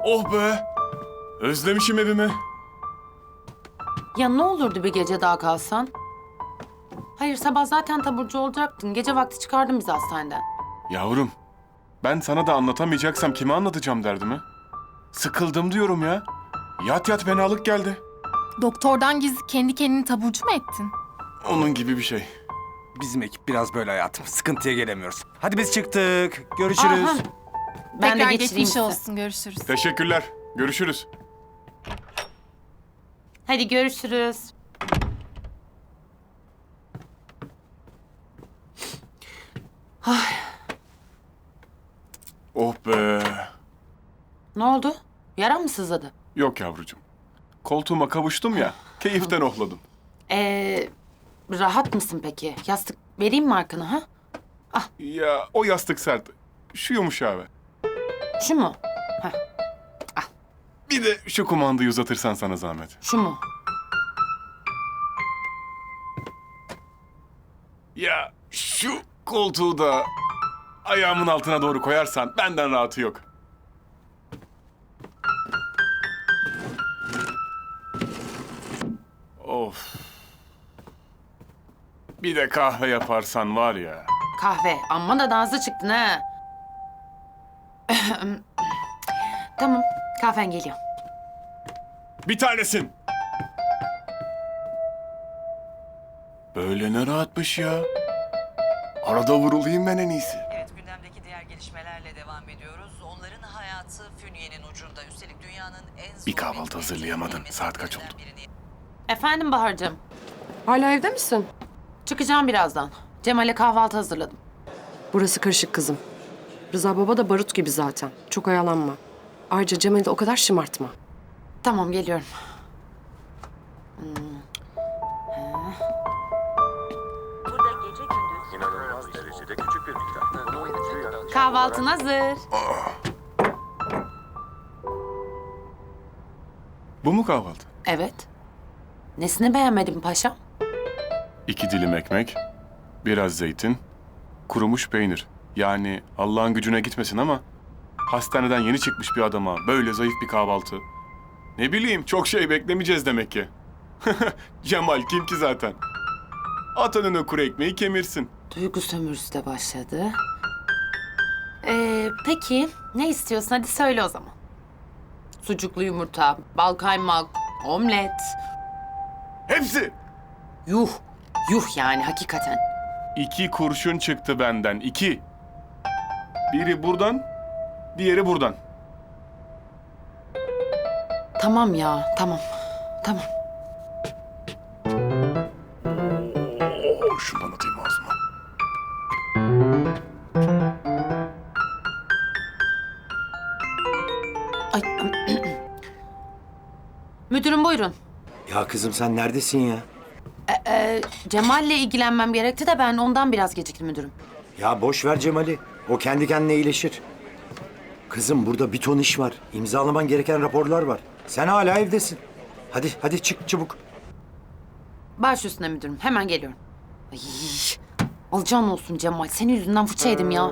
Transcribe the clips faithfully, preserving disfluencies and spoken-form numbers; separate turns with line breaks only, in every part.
Oh be! Özlemişim evimi.
Ya ne olurdu bir gece daha kalsan? Hayır, sabah zaten taburcu olacaktın. Gece vakti çıkardın bizi hastaneden.
Yavrum, ben sana da anlatamayacaksam kime anlatacağım derdimi? Sıkıldım diyorum ya. Yat yat fenalık geldi.
Doktordan gizli kendi kendini taburcu mu ettin?
Onun gibi bir şey.
Bizim ekip biraz böyle hayatım. Sıkıntıya gelemiyoruz. Hadi biz çıktık. Görüşürüz.
Aha. Ben
Tekrar
de geçireyim
geçmiş
size.
olsun. Görüşürüz.
Teşekkürler. Görüşürüz.
Hadi görüşürüz.
Oh be!
Ne oldu? Yaran mı sızladı?
Yok yavrucuğum. Koltuğuma kavuştum ya, keyiften ohladım.
Ee, rahat mısın peki? Yastık vereyim mi arkana ha?
Ya o yastık sert. Şu yumuşağı ver.
Şu mu?
Bir de şu kumandayı uzatırsan sana zahmet.
Şu mu?
Ya şu koltuğu da ayağımın altına doğru koyarsan benden rahatı yok. Of. Bir de kahve yaparsan var ya.
Kahve. Amma da dansı çıktın ha. Tamam, kahven geliyor.
Bir tanesin. Böyle ne rahatmış ya. Arada vurulayım ben en iyisi.
Evet, gündemdeki diğer gelişmelerle devam ediyoruz. Onların hayatı Fünye'nin ucunda. Üstelik dünyanın en zor...
Bir kahvaltı hazırlayamadın. Saat kaç oldu?
birini-
Efendim Bahar'cığım.
Hala evde misin?
Çıkacağım birazdan. Cemal'e kahvaltı hazırladım.
Burası karışık kızım. Rıza baba da barut gibi zaten. Çok oyalanma. Ayrıca Cemal'i de o kadar şımartma.
Tamam, geliyorum.
İnanılmaz derecede küçük bir miktar. Bunu oyuncu yaratacak
Kahvaltın hazır.
Bu mu kahvaltı?
Evet. Nesini beğenmedin paşam?
İki dilim ekmek, biraz zeytin, kurumuş peynir. Yani Allah'ın gücüne gitmesin ama hastaneden yeni çıkmış bir adama böyle zayıf bir kahvaltı. Ne bileyim, çok şey beklemeyeceğiz demek ki. Cemal kim ki zaten? At önüne kuru ekmeği kemirsin.
Duygu sömürüsü de başladı. Ee, peki ne istiyorsun? Hadi söyle o zaman. Sucuklu yumurta, bal kaymak, omlet.
Hepsi!
Yuh, yuh yani hakikaten.
İki kurşun çıktı benden, iki. Biri buradan, diğeri buradan.
Tamam ya, tamam. Tamam.
Oo, şundan atayım ağzıma.
Ay, müdürüm buyurun.
Ya kızım sen neredesin ya?
Ee, Cemal'le ilgilenmem gerekti de ben ondan biraz geciktim müdürüm.
Ya boş ver Cemal'i. O kendi kendine iyileşir. Kızım burada bir ton iş var. İmzalaman gereken raporlar var. Sen hala evdesin. Hadi hadi çık çabuk.
Baş üstüne müdürüm, hemen geliyorum. Ay, alacağın olsun Cemal, senin yüzünden fırça yedim ya.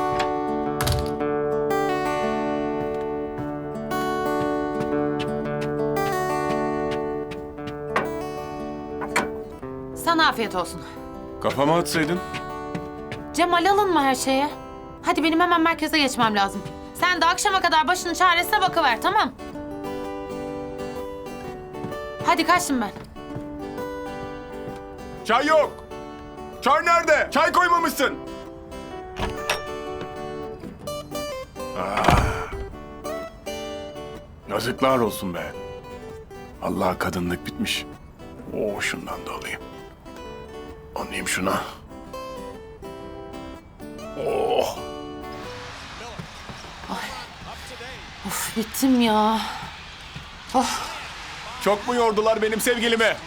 Sana afiyet olsun.
Kafama atsaydın.
Cemal alınma her şeye. Hadi benim hemen merkeze geçmem lazım. Sen de akşama kadar başının çaresine bakıver, tamam? Hadi kaçtım ben.
Çay yok. Çay nerede? Çay koymamışsın. Ah. Yazıklar olsun be. Allah kadınlık bitmiş. Oo, şundan da alayım. Anlayayım şuna. Oh.
Of bittim ya. Of.
Çok mu yordular benim sevgilimi?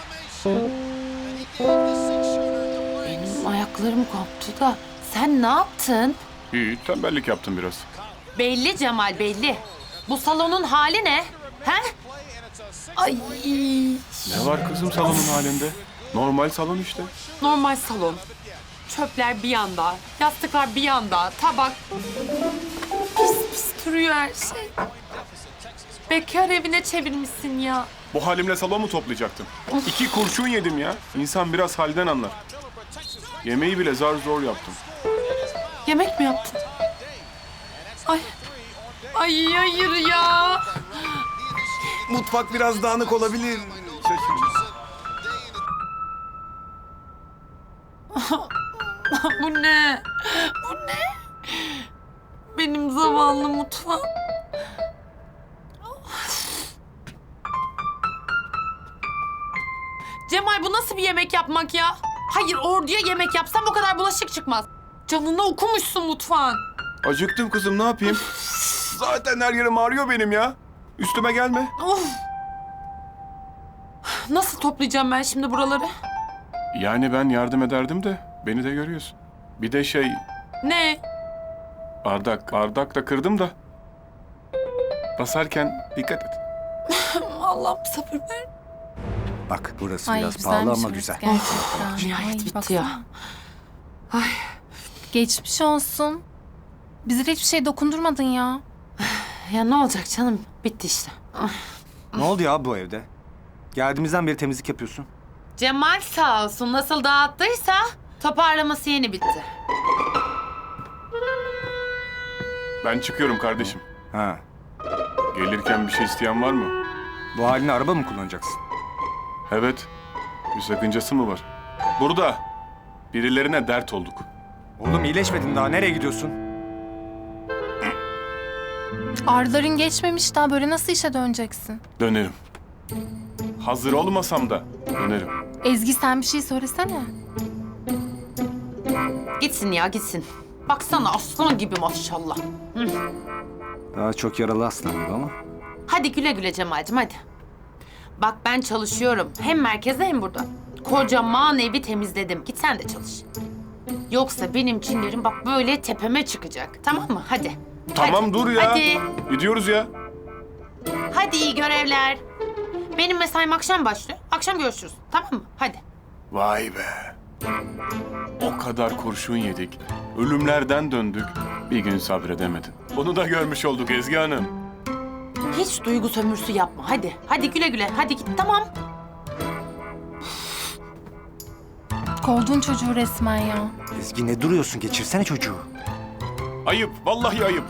Benim ayaklarım koptu da sen ne yaptın?
İyi, tembellik yaptım biraz.
Belli Cemal, belli. Bu salonun hali ne? He? Ay,
Ne var kızım salonun halinde? Normal salon işte.
normal salon. Çöpler bir yanda, yastıklar bir yanda, tabak. Pis pis duruyor her şey. Bekar evine çevirmişsin ya.
Bu halimle salon mu toplayacaktım? İki kurşun yedim ya. İnsan biraz halden anlar. Yemeği bile zar zor yaptım.
Yemek mi yaptın? Ay. Ay hayır ya.
Mutfak biraz dağınık olabilir.
Bu ne? Bu ne? Benim zavallı mutfağım. Cemal bu nasıl bir yemek yapmak ya? Hayır orduya yemek yapsam o kadar bulaşık çıkmaz. Canını okumuşsun mutfağın.
Acıktım kızım, ne yapayım? Zaten her yerim ağrıyor benim ya. Üstüme gelme.
Of. Nasıl toplayacağım ben şimdi buraları?
Yani ben yardım ederdim de beni de görüyorsun. Bir de şey,
Ne?
bardak, bardak da kırdım da. Basarken dikkat et.
Allah'ım sabır ver.
Bak burası
Ay
biraz
güzelmiş
pahalı ama
burası
güzel.
gerçekten.
Nihayet
Ay,
bitti
baksana.
ya.
Geçmiş olsun. Bize hiçbir şey dokundurmadın ya.
Ya ne olacak canım? Bitti işte. Ah.
Ne oldu ya bu evde? Geldiğimizden beri temizlik yapıyorsun.
Cemal sağ olsun nasıl dağıttıysa toparlaması yeni bitti.
Ben çıkıyorum kardeşim.
Ha.
Gelirken bir şey isteyen var mı?
Bu haline araba mı kullanacaksın?
Evet. Bir sakıncası mı var? Burada. Birilerine dert olduk.
Oğlum iyileşmedin daha. Nereye gidiyorsun?
Ağrıların geçmemiş daha böyle nasıl işe döneceksin?
Dönerim. Hazır olmasam da dönerim.
Ezgi sen bir şey söylesene.
Gitsin ya gitsin. Baksana aslan gibi maşallah.
Daha çok yaralı aslan gibi ama.
Hadi güle güle Cemal'cim hadi. Bak ben çalışıyorum. Hem merkezde hem burada. Kocaman evi temizledim. Git sen de çalış. Yoksa benim çillerim bak böyle tepeme çıkacak. Tamam mı? Hadi.
Tamam
Hadi.
dur ya.
Hadi.
Gidiyoruz ya.
Hadi iyi görevler. Benim mesaim akşam başlıyor. Akşam görüşürüz. Tamam mı? Hadi.
Vay be. O kadar kurşun yedik. Ölümlerden döndük. Bir gün sabredemedin. Onu da görmüş olduk Ezgi Hanım.
Hiç duygu sömürüsü yapma. Hadi. Hadi güle güle. Hadi git. Tamam.
Kovdun çocuğu resmen ya.
Ezgi ne duruyorsun? Geçirsene çocuğu.
Ayıp. Vallahi ayıp.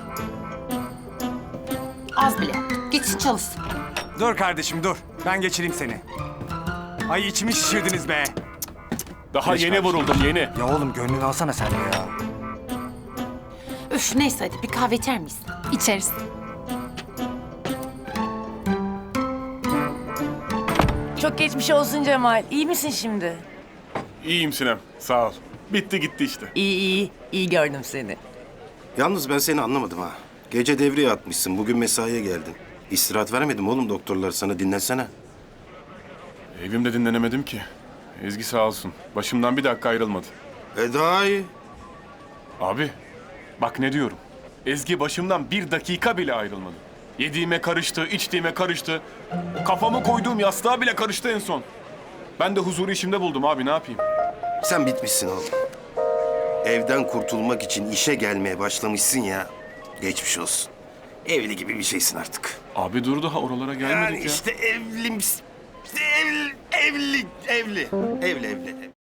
Az bile. Gitsin çalışsın.
Dur kardeşim dur. Ben geçireyim seni. Ay içimi şişirdiniz be.
Daha
Geç
yeni
kardeşim.
vuruldum yeni.
Ya oğlum gönlünü alsana sen de ya.
Üf neyse hadi bir kahve içer miyiz?
İçeriz.
Çok geçmiş olsun Cemal. İyi misin şimdi?
İyiyim Sinem. Sağ ol. Bitti gitti işte.
İyi iyi. İyi gördüm seni.
Yalnız ben seni anlamadım ha. Gece devreye atmışsın, bugün mesaiye geldin. İstirahat vermedim oğlum doktorlar sana, dinlensene.
Evimde dinlenemedim ki. Ezgi sağ olsun. Başımdan bir dakika ayrılmadı.
E daha iyi.
Abi bak ne diyorum. Ezgi başımdan bir dakika bile ayrılmadı. Yediğime karıştı, içtiğime karıştı. Kafamı koyduğum yastığa bile karıştı en son. Ben de huzuru işimde buldum abi, ne yapayım?
Sen bitmişsin oğlum. Evden kurtulmak için işe gelmeye başlamışsın ya. Geçmiş olsun. Evli gibi bir şeysin artık.
Abi dur daha oralara gelmedik
Yani
ya.
işte evli misin? İşte evli, evli, evli. Evli, evli.